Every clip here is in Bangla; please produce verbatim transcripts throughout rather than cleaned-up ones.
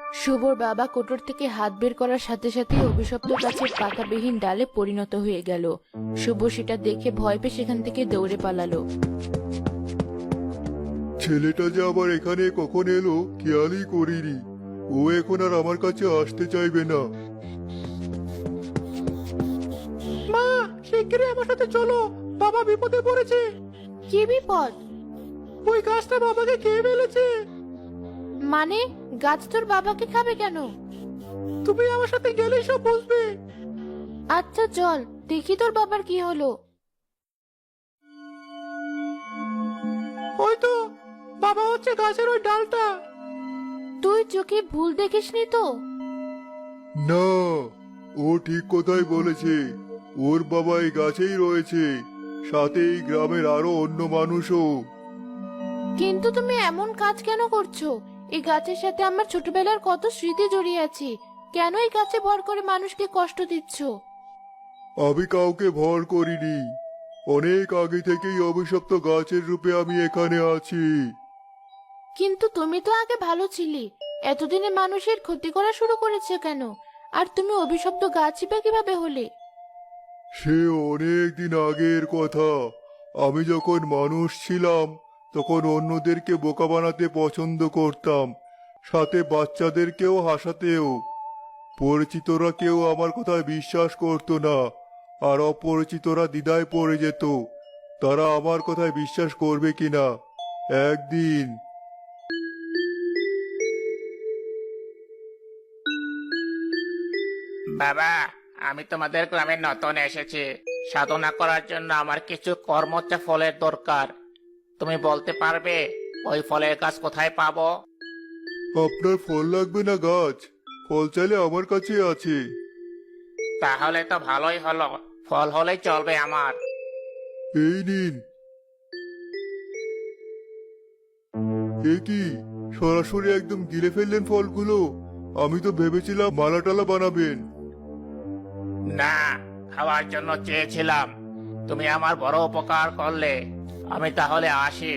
শুভর বাবা কোটর থেকে হাত বের করার সাথে সাথে অভিশপ্ত গাছের পাতাবিহীন ডালে পরিণত হয়ে গেল। শুভ সেটা দেখে ভয় পেয়ে সেখান থেকে দৌড়ে পালালো। ছেলেটা যে আবার এখানে কখন এলো খেয়ালই করিনি। ও এখন আর আমার কাছে আসতে চাইবে না। মা, শিগগিরই আমার সাথে চলো, বাবা বিপদে পড়েছে। কি বিপদ? ওই গাছটা বাবাকে খেয়ে ফেলেছে। মানে গাছ তোর বাবাকে খাবে কেন? তুমি আমার সাথে গেলেই সব বুঝবে। আচ্ছা চল দেখি তোর বাবার কি হলো। ওই তো বাবা হচ্ছে গাছের ওই ডালটা। তুই চোখে ভুল দেখিসনি তো? না, ও ঠিক কথাই বলেছে। ওর বাবা এই গাছেই রয়েছে, সাথে এই গ্রামের আরো অন্য মানুষও। কিন্তু তুমি এমন কাজ কেন করছো? এই গাছের সাথে আমার ছোটবেলার কত স্মৃতি জড়িয়ে আছে। কেন এই গাছে ভর করে মানুষকে কষ্ট দিচ্ছ? আমি কাউকে ভর করিনি। অনেক আগে থেকেই অভিশপ্ত গাছের রূপে আমি এখানে আছি। কিন্তু তুমি তো আগে ভালো ছিলে, এতদিনে মানুষের ক্ষতি করা শুরু করেছে কেন? আর তুমি অভিশপ্ত গাছই বা কিভাবে হলে? সে অনেক দিন আগের কথা। আমি যখন মানুষ ছিলাম তখন অন্যদেরকে বোকা বানাতে পছন্দ করতাম, সাথে বাচ্চাদেরকেও হাসাতেও। পরিচিতরা কেউ আমার কথায় বিশ্বাস করতো না, আর অপরিচিতরা দ্বিধায় পড়ে যেত তারা আমার কথায় বিশ্বাস করবে কিনা। একদিন বাবা, আমি তোমাদের গ্রামে নতুন এসেছি। সাধনা করার জন্য আমার কিছু কর্মচা ফলের দরকার। তুমি বলতে পারবে ওই ফলের গাছ কোথায় পাবো? আপনার ফল লাগবে না গাছ, ফল চাইলে আমার কাছে আছে। তাহলে তো ভালোই হলো, ফল হলেই চলবে আমার। এই নিন। এ কি, সরাসরি একদম গিলে ফেললেন ফলগুলো। আমি তো ভেবেছিলাম মালা টালা বানাবেন। না, খাওয়ার জন্য চেয়েছিলাম। তুমি আমার বড় উপকার করলে, আমি তাহলে আসি।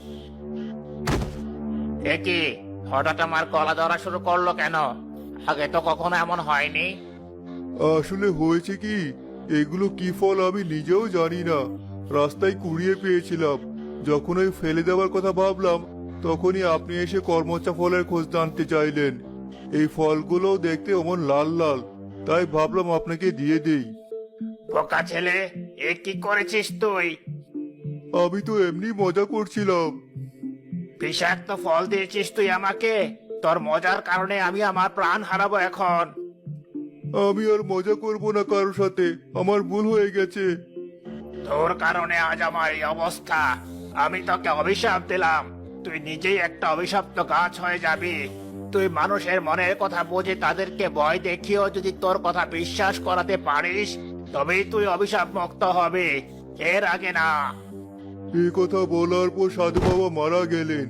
এ কি, হঠাৎ আমার গলা ধরা শুরু করলো কেন? আগে তো কখনো এমন হয়নি। আসলে হয়েছে কি, এগুলো কি ফল আমি নিজেও জানি না। রাস্তায় কুড়িয়ে পেয়েছিলাম। যখন ওই ফেলে দেওয়ার কথা ভাবলাম তখনই আপনি এসে কর্মচা ফলের খোঁজ জানতে চাইলেন। এই ফলগুলো দেখতে অমন লাল লাল, তাই ভাবলাম আপনাকে দিয়ে দেই। বোকা ছেলে, এ কি করেছিস তুই? আমি তো এমনি মজা করছিলাম। বিষাক্ত ফল দিয়েছিস তুই আমাকে। তোর মজার কারণে আমি আমার প্রাণ হারাবো এখন। আমি আর মজা করব না কারোর সাথে, আমার ভুল হয়ে গেছে। তোর কারণে আজ আমার এই অবস্থা। আমি তোকে অভিশাপ দিলাম, তুই নিজেই একটা অভিশপ্ত গাছ হয়ে যাবি। তুই মানুষের মনের কথা বুঝে তাদেরকে ভয় দেখিয়েও যদি তোর কথা বিশ্বাস করাতে পারিস, তবেই তুই অভিশাপ মুক্ত হবি, এর আগে না। এই কথা বলার পর সাধু বাবা মারা গেলেন,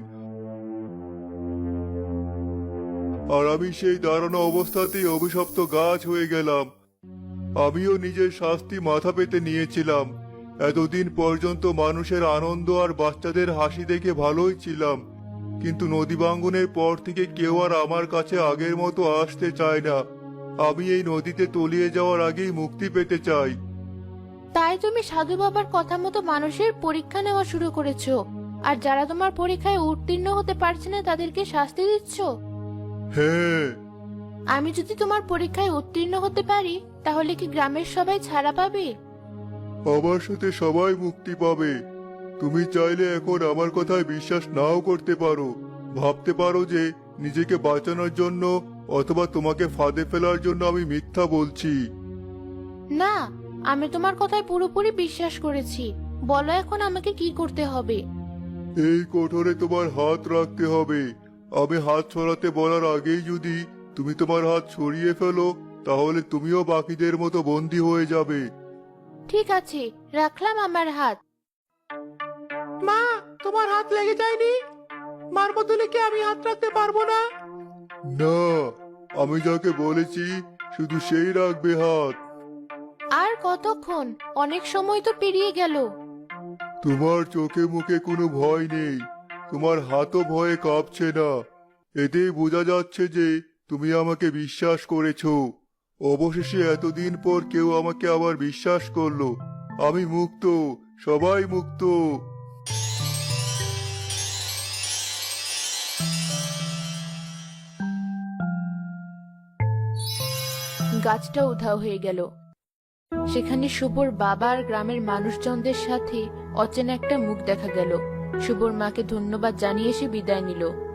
আর আমি সেই দাঁড়ানো অবস্থাতেই অভিশপ্ত গাছ হয়ে গেলাম। আমিও নিজের শাস্তি মাথা পেতে নিয়েছিলাম। এতদিন পর্যন্ত মানুষের আনন্দ আর বাচ্চাদের হাসি দেখে ভালোই ছিলাম, কিন্তু নদী ভাঙ্গনের পর থেকে কেউ আর আমার কাছে আগের মতো আসতে চায় না। আমি এই নদীতে তলিয়ে যাওয়ার আগেই মুক্তি পেতে চাই। তাই তুমি সাধু বাবার কথা মতো মানুষের পরীক্ষা নেওয়া শুরু করেছো, আর যারা তোমার পরীক্ষায় উত্তীর্ণ হতে পারছে না তাদেরকে শাস্তি দিচ্ছ। হ্যাঁ। আমি যদি তোমার পরীক্ষায় উত্তীর্ণ হতে পারি তাহলে কি গ্রামের সবাই ছাড়া পাবে? আমার সাথে সবাই মুক্তি পাবে। তুমি চাইলে এখন আমার কথায় বিশ্বাস নাও করতে পারো, ভাবতে পারো যে নিজেকে বাঁচানোর জন্য অথবা তোমাকে ফাঁদে ফেলার জন্য আমি মিথ্যা বলছি। না, আমি তোমার কথায় পুরোপুরি বিশ্বাস করেছি। বলো এখন আমাকে কি করতে হবে? এই কোঠরে তোমার হাত রাখতে হবে। আমি হাত ছড়াতে বলার আগেই যদি তুমি তোমার হাত ছড়িয়ে ফেলো তাহলে তুমিও বাকিদের মতো বন্দী হয়ে যাবে। ঠিক আছে, রাখলাম আমার হাত। মা, তোমার হাত লেগে যায়নি? মার বদলে কি আমি হাত রাখতে পারবো না? না, আমি যাকে বলেছি শুধু সেই রাখবে হাত। আর কতক্ষণ? অনেক সময় তো পেরিয়ে গেল। তোমার চোখে মুখে কোনো ভয় নেই, তোমার হাতও ভয়ে কাঁপছে না। এতেই বোঝা যাচ্ছে যে তুমি আমাকে বিশ্বাস করেছো। অবশেষে এতদিন পর কেউ আমাকে আবার বিশ্বাস করলো। আমি মুক্ত, সবাই মুক্ত। গাছটা উধাও হয়ে গেল। সেখানে শুভর বাবা আর গ্রামের মানুষজনদের সাথে অচেনা একটা মুখ দেখা গেল। শুভর মাকে ধন্যবাদ জানিয়ে সে বিদায় নিল।